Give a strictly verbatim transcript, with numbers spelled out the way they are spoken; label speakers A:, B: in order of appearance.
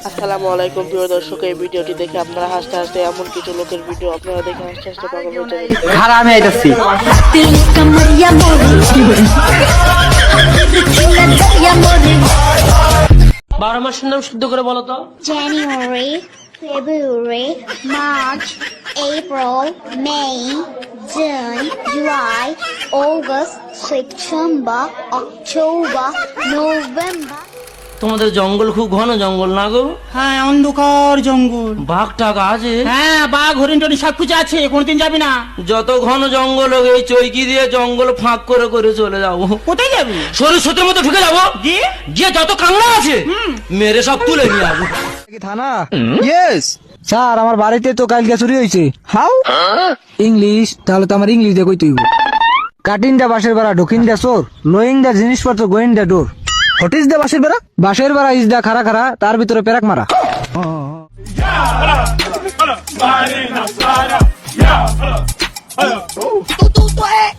A: আসসালামু আলাইকুম প্রিয় দর্শক, এই ভিডিওটি দেখে আপনারা হাসতে হাসতে এমন কিছু লোকের ভিডিও আপনারা দেখে হাসতে হাসতে পাগল হয়ে যাবেন।
B: খারাপ আমি আইতাছি।
A: বারো মাসের নাম শুদ্ধ করে বলো তো।
C: January, February, March, April, May, June, July, August, September, October, November.
A: তোমাদের জঙ্গল খুব ঘন জঙ্গল না গো?
B: হ্যাঁ, অন্ধকার জঙ্গল।
A: বাঘ টাঘ আছে?
B: হ্যাঁ, বাঘ হরিণ টরিণ সবকিছু আছে, কোনদিন যাবি না?
A: যত ঘন জঙ্গল হোক এই চৈকি দিয়ে জঙ্গল ফাঁক করে করে চলে যাবো।
B: কোথায় যাবি?
A: সরস্বতীর মতো ঢুকে যাবো,
B: দিয়ে
A: গিয়ে যত কাংলা আছে মেরে সব তুলে নিয়ে আসবো।
D: থানা? ইয়েস স্যার, আমার বাড়িতে তো কালকে চুরি হয়েছে। হাউ? ইংলিশ? তাহলে তো আমার ইংলিশ দিয়ে কইতে হইব। কাটিং দা বাসের বেড়া, ঢুকিং দা চোর, লোয়িং দা জিনিসপত্র, going the door. What is the বাসের বেড়া? বাসের বেড়া ইজ দা খারা খারা, তার ভিতরে পেরাক মারা।
E: Tú, tú, tú, eh.